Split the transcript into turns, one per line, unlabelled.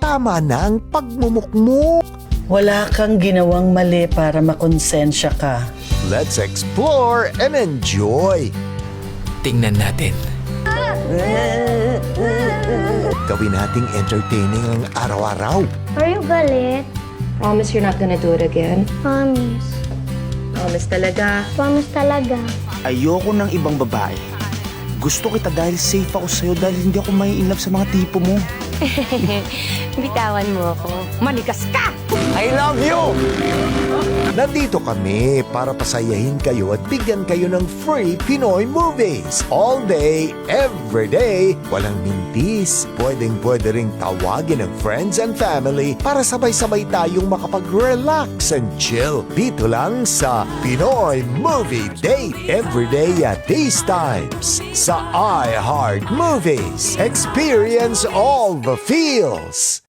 tama na ang pagmumukmuk.
Wala kang ginawang mali para makonsensya ka.
Let's explore and enjoy.
Tingnan natin.
Gawin nating entertaining ang araw-araw.
Are you galit?
Promise you're not gonna do it again?
Promise.
Promise talaga.
Promise talaga.
Ayoko ng ibang babae. Gusto kita dahil safe ako sa'yo dahil hindi ako may in love sa mga tipo mo.
Bitawan mo ako. Manikas ka!
I love you!
Nandito kami para pasayahin kayo at bigyan kayo ng free Pinoy movies. All day, every day. Walang mintis. Pwedeng-pwede ring tawagin ng friends and family para sabay-sabay tayong makapag-relax and chill. Dito lang sa Pinoy Movie Date. Every day at these times. Sa iHeart Movies. Experience all the feels.